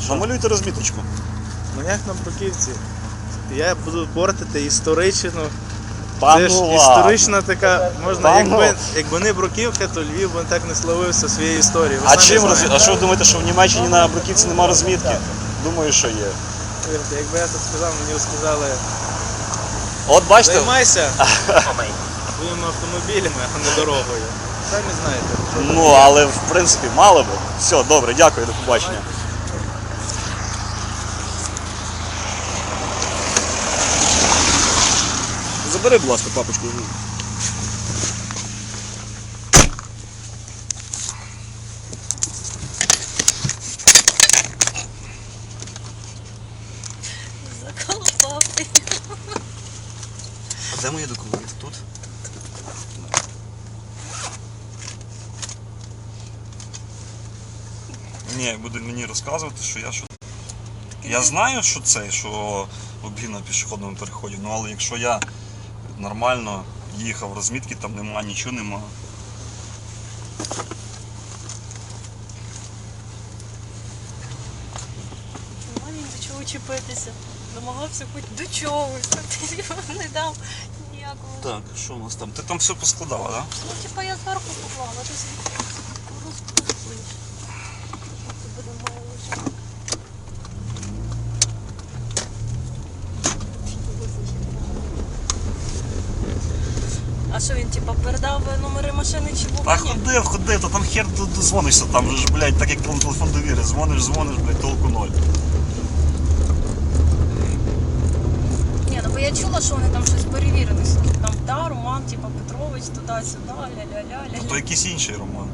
Намалюйте розміточку. Ну як на Бруківці? Я буду портити історичну. Та Це ж ну історична така, можна, Та ну. якби не Бруківка, то Львів би так не славився своєю історією. Ви А самі чим знаєте. А що ви думаєте, що в Німеччині на Бруківці нема розмітки? Думаю, що є. Повірте, якби я так сказав, мені сказали, От бачите, займайся своїми автомобілями, а не дорогою. Самі знаєте. що ну але в принципі мало би. Все, добре, дякую, до побачення. Забери, будь ласка, папочку. Заколупав ти. А де мої документи? Тут? Ні, буде мені розказувати, що я що. Я знаю, що це, що обгін на пішохідному переході, ну але якщо я нормально їхав, розмітки там нема, нічого нема. Нема ні до чого чіпитися. Домагався хоч до чогось. Ти не дав ніякого. Так, що у нас там? Ти там все поскладала, так? Да? Ну, типа я зверху поклала, ти собі розпустиш. Ти буде мало лежати. А що він, типа, передав номери машини чи був? Та ходив, то там хер дозвонишся, там вже ж, блядь, так як на телефон довіри, дзвониш, блядь, толку ноль. Ні, ну бо я чула, що вони там щось перевірили. Там, да, Роман, типа, Петрович, туди-сюди, ля-ля-ля-ля. То якийсь інший Роман.